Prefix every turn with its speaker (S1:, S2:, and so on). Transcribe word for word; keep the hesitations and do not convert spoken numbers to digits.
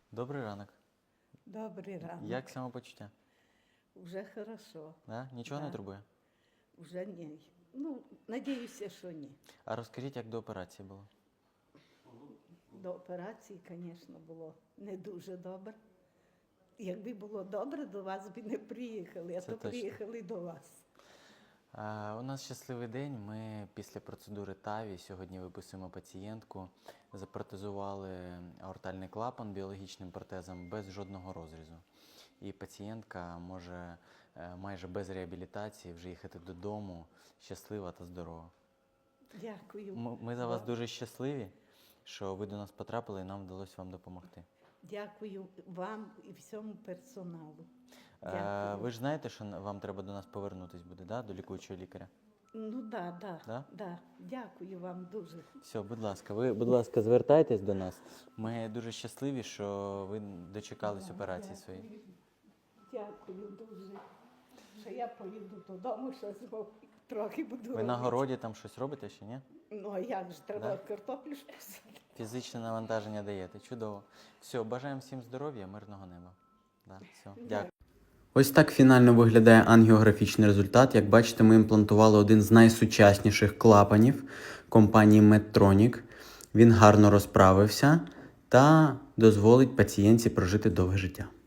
S1: Добрий ранок.
S2: Добрий ранок.
S1: Як самопочуття?
S2: Уже хорошо.
S1: Да? Нічого
S2: Да.
S1: не турбує?
S2: Уже ні. Ну, надіюся, що ні.
S1: А розкажіть, як до операції було?
S2: До операції, звісно, було не дуже добре. Якби було добре, до вас би не приїхали, а
S1: Це
S2: то
S1: точно.
S2: приїхали до вас.
S1: А, у нас щасливий день. Ми після процедури ТАВІ сьогодні виписуємо пацієнтку. Запротезували аортальний клапан біологічним протезом без жодного розрізу. І пацієнтка може е, майже без реабілітації вже їхати додому щаслива та здорова.
S2: Дякую.
S1: Ми, ми за вас
S2: Бо-
S1: дуже щасливі, що ви до нас потрапили і нам вдалося вам допомогти.
S2: Дякую вам і всьому персоналу.
S1: Е,
S2: Дякую.
S1: ви ж знаєте, що вам треба до нас повернутись буде, да? До лікуючого лікаря?
S2: Ну да, да,
S1: Да?
S2: да. Дякую вам дуже.
S1: Все, будь ласка, ви, будь ласка, звертайтесь до нас. Ми дуже щасливі, що ви дочекались
S2: Да,
S1: операції
S2: дякую.
S1: своєї.
S2: Дякую дуже. Що я поїду додому, що трохи буду.
S1: Ви на
S2: робити.
S1: городі там щось робите ще, ні?
S2: Ну, а як ж треба
S1: Да?
S2: картоплю ж посадити?
S1: Фізичне навантаження даєте. Чудово. Все, бажаємо всім здоров'я, мирного неба. Да, все, дякую. Ось так фінально виглядає ангіографічний результат. Як бачите, ми імплантували один з найсучасніших клапанів компанії Medtronic. Він гарно розправився та дозволить пацієнтці прожити довге життя.